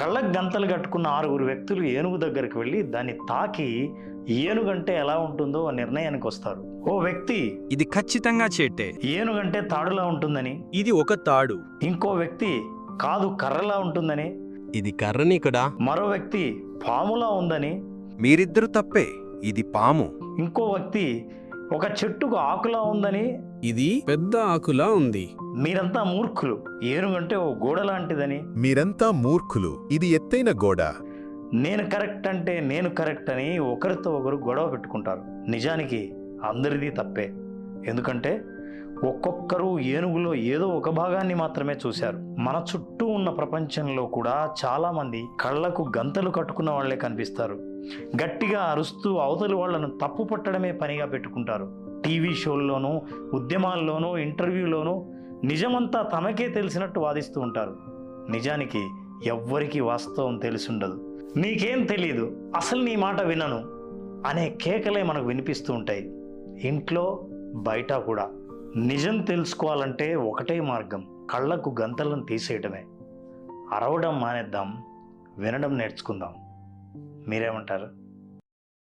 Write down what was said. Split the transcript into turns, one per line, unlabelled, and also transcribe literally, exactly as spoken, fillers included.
కళ్ళకు గంతలు కట్టుకున్న ఆరుగురు వ్యక్తులు ఏనుగు దగ్గరికి వెళ్ళి దాన్ని తాకి ఏనుగంటే ఎలా ఉంటుందో ఆ నిర్ణయానికి వస్తారు. ఓ వ్యక్తి
ఇది ఖచ్చితంగా చేట్టే,
ఏనుగంటే తాడులా ఉంటుందని,
ఇది ఒక తాడు.
ఇంకో వ్యక్తి కాదు కర్రలా ఉంటుందని,
ఇది కర్రని కదా.
మరో వ్యక్తి పాములా ఉందని,
మీరిద్దరు తప్పే, ఇది పాము.
ఇంకో వ్యక్తి ఒక చెట్టుకు ఆకులా ఉందని,
ఇది పెద్ద ఆకులా ఉంది.
మీరంతా మూర్ఖులు, ఏనుగంటే ఓ గోడ లాంటిదని,
మీరంతా మూర్ఖులు, ఇది ఎత్తైన గోడ.
నేను కరెక్ట్ అంటే నేను కరెక్ట్ అని ఒకరితో ఒకరు గొడవ పెట్టుకుంటారు. నిజానికి అందరిది తప్పే. ఎందుకంటే ఒక్కొక్కరు ఏనుగులో ఏదో ఒక భాగాన్ని మాత్రమే చూశారు. మన చుట్టూ ఉన్న ప్రపంచంలో కూడా చాలామంది కళ్ళకు గంతలు కట్టుకున్న వాళ్లే కనిపిస్తారు. గట్టిగా అరుస్తూ అవతలి వాళ్లను తప్పు పట్టడమే పనిగా పెట్టుకుంటారు. టీవీ షోల్లోనూ, ఉద్యమాల్లోనూ, ఇంటర్వ్యూలోనూ నిజమంతా తమకే తెలిసినట్టు వాదిస్తూ ఉంటారు. నిజానికి ఎవ్వరికీ వాస్తవం తెలిసుండదు. నీకేం తెలీదు, అసలు నీ మాట వినను అనే కేకలే మనకు వినిపిస్తూ ఉంటాయి, ఇంట్లో బయట కూడా. నిజం తెలుసుకోవాలంటే ఒకటే మార్గం, కళ్ళకు గంతలను తీసేయడమే. అరవడం మానేద్దాం, వినడం నేర్చుకుందాం. మీరేమంటారు?